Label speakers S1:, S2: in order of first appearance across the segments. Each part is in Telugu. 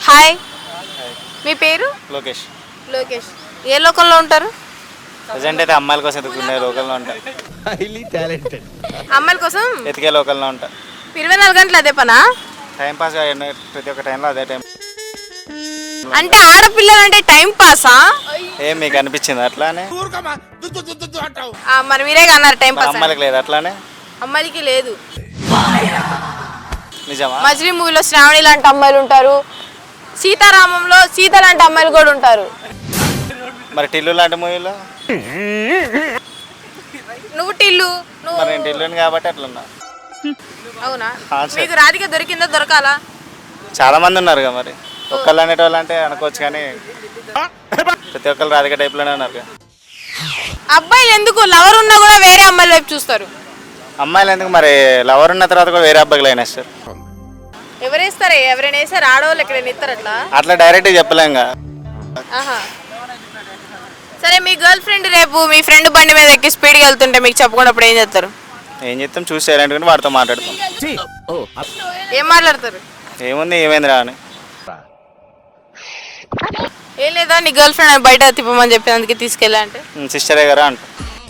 S1: హాయ్, మీ పేరు?
S2: లోకేష్.
S1: లోకేష్. ఏ లోకంలో ఉంటారు?
S2: ప్రజెంట్ అయితే అమ్మాయిల కోసం ఎదుగుకునే లోకల్లో ఉంటా.
S3: Highly talented.
S1: అమ్మాయిల కోసం
S2: ఎతికే లోకల్లో ఉంటా.
S1: 24 గంటలు అదే పనా?
S2: టైం పాస్ ప్రతి ఒక్క టైంలో అదే టైం.
S1: అంటే ఆడపిల్లలు అంటే టైం పాసా?
S2: ఏం మీకు అనిపించింది అట్లానే?
S1: మరి మీరే అన్నారు టైం పాస్.
S2: అమ్మాయిలకు లేదు అట్లానే?
S1: అమ్మాయిలకి లేదు.
S2: నిజమా?
S1: మజిలీ మూవీలో శ్రావణి లాంటి అమ్మాయిలు ఉంటారు, సీతారామంలో సీత లాంటి అమ్మాయిలు కూడా ఉంటారు.
S2: మరి టిల్లు లాంటి మూవీలో?
S1: నువ్వు టిల్లు.
S2: మరి నేను టిల్లుని కాబట్టి అట్లున్నా.
S1: అవునా? మీకు రాధిక దొరికిందా? దొరకాలా?
S2: చాలా మంది ఉన్నారు కదా, మరి ఒక్కళ్ళు అనేటోళ్ళు అంటే అనుకోవచ్చు, కానీ ప్రతి ఒక్కళ్ళు రాధిక టైప్లోనే ఉన్నారు.
S1: అబ్బాయిలు ఎందుకు లవర్ ఉన్నా కూడా వేరే అమ్మాయిల వైపు చూస్తారు?
S2: అమ్మాయిలు ఎందుకు మరి లవర్ ఉన్న తర్వాత కూడా వేరే అబ్బాయిలు అయినా సార్?
S1: ఎవరేస్తారే? ఎవరైనా వేసారు? ఆడవాళ్ళు ఎక్కడైనా ఇస్తారు అట్లా?
S2: అట్లా డైరెక్ట్ చెప్పలేం కదా.
S1: సరే, మీ గర్ల్ ఫ్రెండ్ రేపు మీ ఫ్రెండ్ బండి మీద ఎక్కి స్పీడ్గా వెళ్తుంటే మీకు చెప్పకుండా ఏం చేస్తారు?
S2: ఏం చెప్తాం, చూసి సైలెంట్గా వాడితో మాట్లాడతాం.
S1: ఏం మాట్లాడతారు?
S2: ఏముంది, ఏమైంది రా అని.
S1: ఏం లేదా, నీ గర్ల్ ఫ్రెండ్ బయట తిప్పమని చెప్పి అందుకే తీసుకెళ్ళా అంటే
S2: సిస్టరే గారా అంట.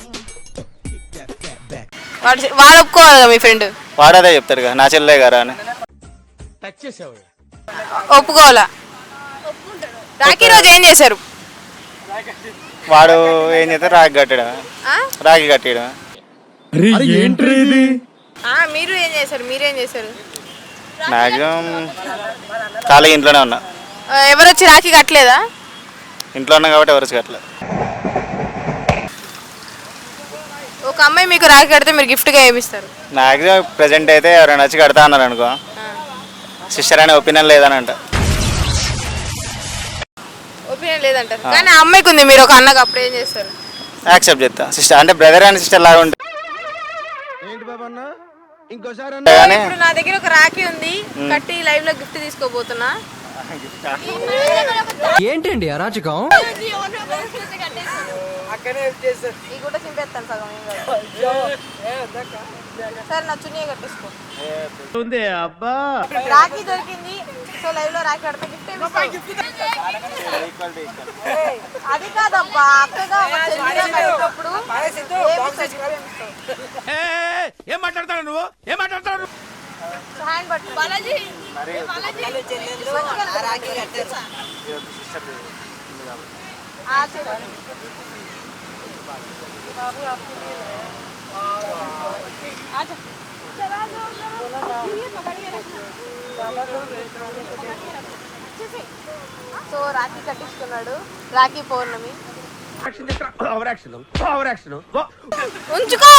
S1: వాడు ఒప్పుకోవాలి కదా మీ ఫ్రెండ్?
S2: వాడదే చెప్తాడు కదా, నా చెల్లె గారా అని.
S1: ఒప్పుకోవాలా? రాఖీ రోజు ఏం చేశారు?
S2: వాడు ఏం చేస్తారు, రాఖీ కట్టడం. రాఖీ కట్టడం.
S1: మీరు ఏం చేశారు? మీరేం చేశారు?
S2: మ్యాక్సిమం ఖాళీగా ఇంట్లోనే ఉన్నా.
S1: ఎవరు వచ్చి రాఖీ కట్టలేదా?
S2: ఇంట్లో ఉన్నా కాబట్టి ఎవరు కట్టలేదు.
S1: ఒక అమ్మాయి మీకు రాఖీ కడితే మీరు గిఫ్ట్గా ఏమిస్తారు?
S2: మ్యాక్సిమం ప్రెజెంట్ అయితే ఎవరైనా వచ్చి కడతా అన్నారు అనుకో, సిస్టర్ అనే ఒపీనియన్ లేదని అంట.
S1: ఒపీనియన్ లేదంటారు, కానీ ఆ అమ్మాయికి ఉంది, మీరు ఒక అన్నగా అప్పుడు ఏం చేస్తారు?
S2: యాక్సెప్ట్ చేస్తా. సిస్టర్ అంటే బ్రదర్ అండ్ సిస్టర్ లాగా ఉంటుంది.
S1: ఇప్పుడు నా దగ్గర ఒక రాఖీ ఉంది, కట్టి లైవ్ లో గిఫ్ట్ తీసుకోబోతున్నా.
S3: ఏంటండి అరాచకం?
S1: సరే, నా చున్నీ కట్టేసుకో. రాఖీ దొరికింది, సో లైవ్ లో రాఖీ కడితే గిఫ్ట్ అది కాదబ్బా, అక్కగా కట్టినప్పుడు
S3: ఏం మాట్లాడతాడు నువ్వు? ఏం మాట్లాడతాడు?
S1: హ్యాండ్ పట్టు బాలాజీ. సో రాఖీ కట్టించుకున్నాడు, రాఖీ పౌర్ణమి. ఉంచుకో,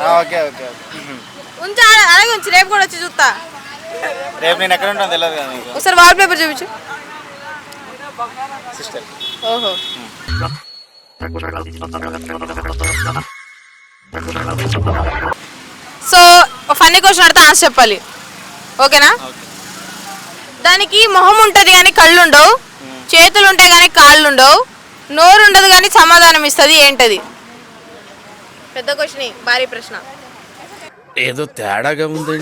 S1: ఉంచు, అలాగే ఉంచు. రేపు కూడా వచ్చి చూస్తా.
S2: రేపు నేను ఎక్కడ ఉంటాను తెలియదు కదా మీకు.
S1: ఒకసారి వాల్ పేపర్ చూపించు.
S2: సిస్టర్.
S1: ఓహో. సో ఫన్నీ క్వశ్చన్ అడితే ఆన్సర్ చెప్పాలి, ఓకేనా? దానికి మొహం ఉంటుంది కానీ కళ్ళు ఉండవు, చేతులు ఉంటాయి కానీ కాళ్ళు ఉండవు, నోరు ఉండదు కానీ సమాధానం ఇస్తుంది. ఏంటది? పెద్ద క్వశ్చన్, భారీ ప్రశ్న.
S3: ఏదో తేడాగా ఉంది.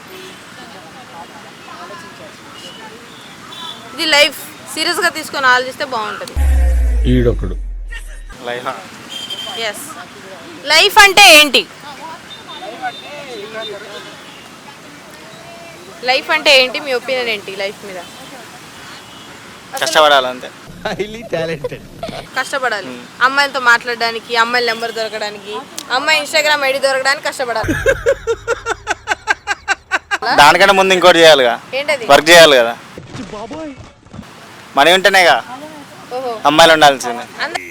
S1: ఇది లైఫ్ సీరియస్ గా తీసుకొని ఆలోచిస్తే బాగుంటుంది.
S3: ఈడొకడు.
S1: ఎస్, లైఫ్ అంటే ఏంటి? లైఫ్ అంటే ఏంటి? మీ ఒపీనియన్ ఏంటి లైఫ్ మీద?
S2: కష్టపడాలి అంతే.
S3: Highly talented.
S1: కష్టపడాలి, అమ్మాయిలతో మాట్లాడడానికి, అమ్మాయిల నెంబర్ దొరకడానికి, అమ్మాయి ఇన్స్టాగ్రామ్ ఐడి దొరకడానికి కష్టపడాలి.
S2: దానికంటే ముందు ఇంకోటి చేయాలిగా,
S1: ఏంటది?
S2: వర్క్ చేయాలి కదా. మనీ ఉంటేనేగా అమ్మాయిలు ఉండాల్సిందే.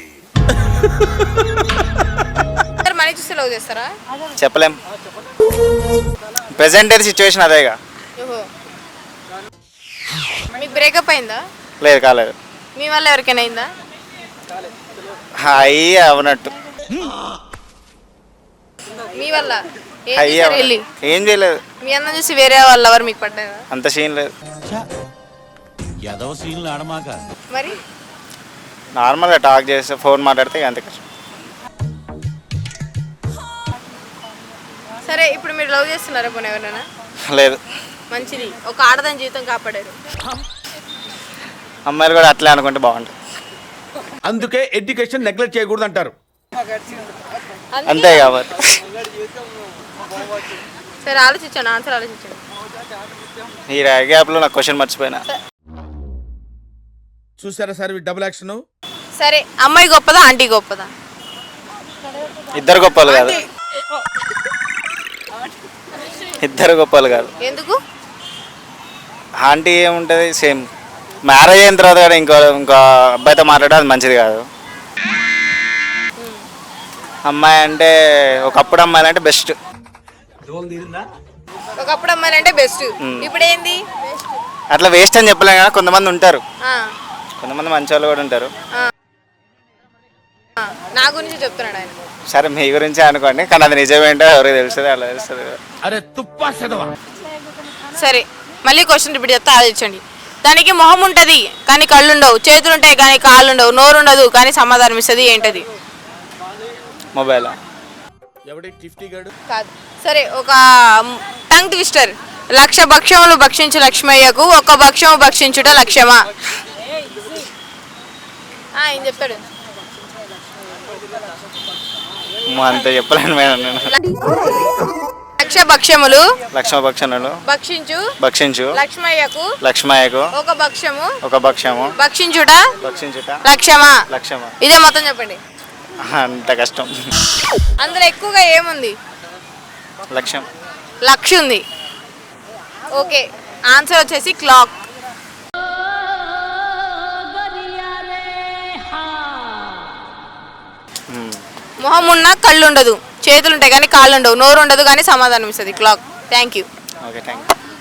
S1: మనీ చూస్తే లవ్ చేస్తారా?
S2: చెప్పలేం, ప్రెసెంట్ అయితే సిచ్యువేషన్ అదేగా.
S1: మీకు బ్రేకప్ అయిందా?
S2: లేదు, కాలేదు.
S1: మీ వల్ల ఎవరికైనా అయిందా?
S2: అయ్యి అవనట్టు.
S1: మీ వల్ల
S2: ఏం చేయలేదు.
S1: మీ అన్న చూసి వేరే వాళ్ళు ఎవరు మీకు పడ్డారా?
S2: అంత సీన్ లేదు.
S1: మరి
S2: నార్మల్గా టాక్ చేస్తే, ఫోన్ మాట్లాడితే అంతే కష్టం.
S1: సరే, ఇప్పుడు మీరు లవ్ చేస్తున్నారా పోనీ ఎవరైనా?
S2: లేదు.
S1: మంచిది, ఒక ఆడదాని జీవితం కాపాడారు.
S2: అమ్మాయిలు కూడా అట్లే అనుకుంటే బాగుంటుంది.
S3: అందుకే ఎడ్యుకేషన్ నెగ్లెక్ట్ చేయకూడదు అంటారు.
S2: అంతే కాబట్టి
S1: సరే ఆలోచించండి, ఆన్సర్ ఆలోచించండి.
S2: ఈ గ్యాప్లో నాకు క్వశ్చన్ మర్చిపోయినా.
S3: చూసారా సార్ డబుల్ యాక్షన్.
S1: సరే అమ్మాయి గొప్పదా ఆంటీ గొప్పదా?
S2: ఇద్దరు గొప్పలు కాదు, ఇద్దరు గొప్పలు కాదు.
S1: ఎందుకు?
S2: ఆంటీ ఏముంటుంది, సేమ్ మ్యారేజ్ అయిన తర్వాత కూడా ఇంకో అబ్బాయితో మాట్లాడడం అది మంచిది కాదు. అమ్మాయి అంటే ఒకప్పుడు అమ్మాయిలు అంటే బెస్ట్.
S1: ఒకప్పుడు అమ్మాయిలు అంటే బెస్ట్, ఇప్పుడు ఏంది?
S2: అట్లా వేస్ట్ అని చెప్పలేం కదా, కొంతమంది ఉంటారు,
S1: ఆ,
S2: కొంతమంది మంచి వాళ్ళు కూడా ఉంటారు.
S1: నా గురించి చెప్తున్నాడు ఆయన.
S2: సరే మీ గురించి అనుకోండి, కానీ అది నిజమేంటో ఎవరికి తెలుస్తుంది, అలా తెలుస్తుంది.
S3: అరే తుప్పా చదవా.
S1: సరే మళ్ళీ క్వశ్చన్ రిపీట్ చేస్తా, ఆలోచించండి. దానికి మొహం ఉంటుంది కానీ కళ్ళు ఉండవు, చేతులు ఉంటాయి కానీ కాళ్ళు ఉండవు, నోరు ఉండదు కానీ సమాధానం ఇస్తుంది, ఏంటది?
S2: మొబైల్.
S3: ఎవడి టిఫ్టీ గాడు?
S1: కాదు. సరే ఒక టంగ్ ట్విస్టర్. 1,00,000 భక్ష్యములు భక్షించు లక్ష్మయ్యకు ఒక భక్ష్యము భక్షించుట లక్ష్యమా? ఏం చెప్తాడు?
S2: అంతే చెప్పలేను మేడం నేను.
S1: 1,00,000 భక్ష్యములు
S2: లక్ష్మభక్షణులు భక్షించు
S1: లక్ష్మయ్యకు ఒక భక్ష్యము భక్షించుట లక్ష్యమా?
S2: లక్ష్యమా.
S1: ఇదే మొత్తం చెప్పండి.
S2: అంత కష్టం.
S1: అందులో ఎక్కువగా ఏముంది?
S2: లక్ష్యం.
S1: లక్ష ఉంది. ఓకే, ఆన్సర్ వచ్చేసి క్లాక్. మొహం ఉన్నా కళ్ళు ఉండదు, చేతులు ఉంటాయి కానీ కాళ్ళు ఉండవు, నోరు ఉండదు కానీ సమాధానం ఇస్తుంది, clock. Thank you.
S2: Okay, thank you.